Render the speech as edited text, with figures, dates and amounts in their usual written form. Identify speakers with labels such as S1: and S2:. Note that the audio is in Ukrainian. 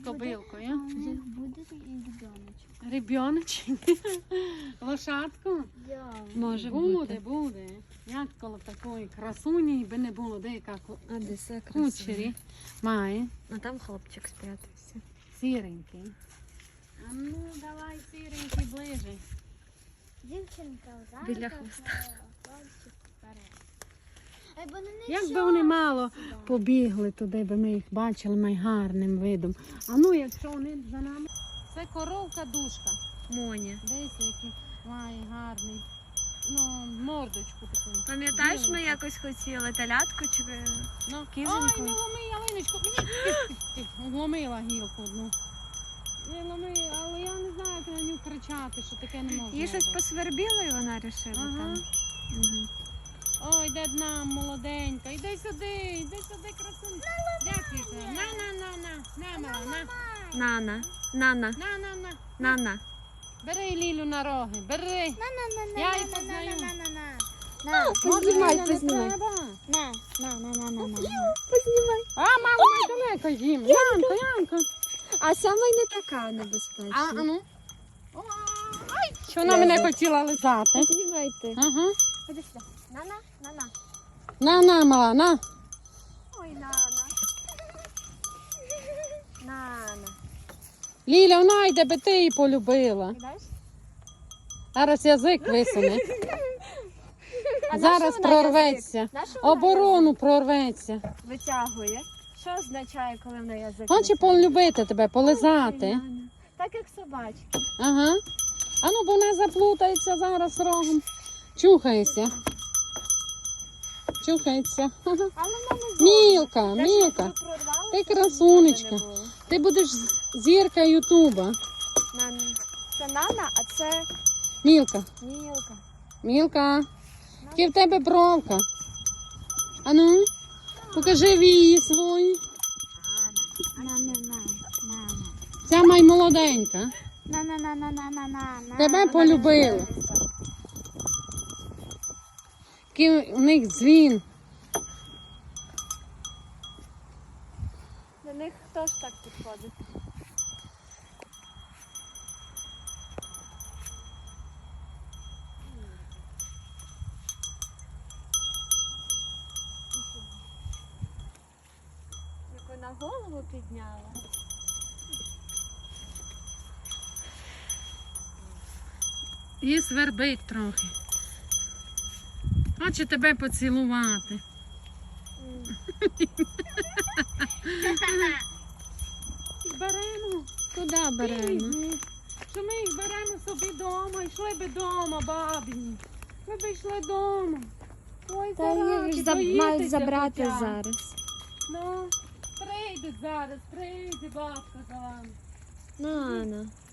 S1: Кобилкою.
S2: Буде і ребеночок.
S1: Ребеночок. Лошадку?
S3: Може
S1: Буде, буде. Як коло такої красуні би не було, де яка
S3: А де все красиво.
S1: кучері має.
S3: А там хлопчик спрятався.
S1: Сіренький. А ну, давай сіренький ближе.
S2: Дівчинка взад.
S3: Біля хвоста.
S2: Хлопчик вперед. Бо не
S1: Якби вони мало побігли туди, би ми їх бачили найгарним видом. А ну, якщо вони за нами. Це коровка душка.
S3: Моня.
S1: Дивіться, який має гарний. Ну, мордочку таку.
S3: Пам'ятаєш, ми
S1: Біленьку.
S3: якось хотіли телятку чи
S1: Ну,
S3: кізоньку?
S1: ой, не ломи ялиночку. Вломила гілку одну. Не ломи, але я не знаю, як на нього кричати, що таке не можна.
S3: Їй щось
S1: робити.
S3: посвербіло і вона вирішила
S1: Ага.
S3: там. Угу.
S1: Ой, де нам молоденька, іди сюди, красунь. Дякую. На, мала,
S3: Нана.
S1: на.
S3: Нана.
S1: Бери Лілю на роги, бери. Я її познаю.
S3: Познімай.
S1: На.
S3: Познімай.
S1: А, мама, далеко їм. Янко.
S3: А саме й не така небезпечна.
S1: А ну. Ай, що вона мене хотіла лизати.
S3: Познімайте.
S1: Ага.
S3: Ходи сюди. Нана.
S1: На, мала, на.
S3: Ой, Нана. Нана.
S1: Ліля, вона йде, би ти її полюбила.
S3: Знаєш?
S1: Зараз язик висуне.
S3: А
S1: Зараз
S3: на що вона
S1: прорветься.
S3: язик? На що вона
S1: Оборону прорветься.
S3: язик витягує. Що означає, коли вона язик
S1: Хоче
S3: витягує?
S1: полюбити тебе,
S3: Ой,
S1: полизати.
S3: Нана. Так як собачки.
S1: Ага. А ну, бо вона заплутається зараз рогом. Чухайся. Чухається.
S3: Але вона не зловить.
S1: Мілка.
S3: Те, що прорвалося,
S1: Ти
S3: щоб
S1: красунечка.
S3: нічого не було.
S1: Ти будеш зірка Ютуба.
S3: Це Нана, а це
S1: Мілка.
S3: Мілка.
S1: Мілка. Які в тебе бровка. А ну, покажи вії свої. Ця май молоденька. Тебе полюбила. Який у них дзвін.
S3: До них хто ж так підходить? Як вона голову підняла.
S1: І свербить трохи. Хоче тебе поцілувати. Беремо.
S3: Куди беремо?
S1: Що ми їх беремо собі вдома, йшли би вдома, бабі. Ви б йшли вдома. Ой,
S3: Та їх ж мають
S1: боїтеся
S3: забрати
S1: хоча б.
S3: зараз.
S1: Ну, прийдуть зараз, прийде бабка за вами.
S3: Нана.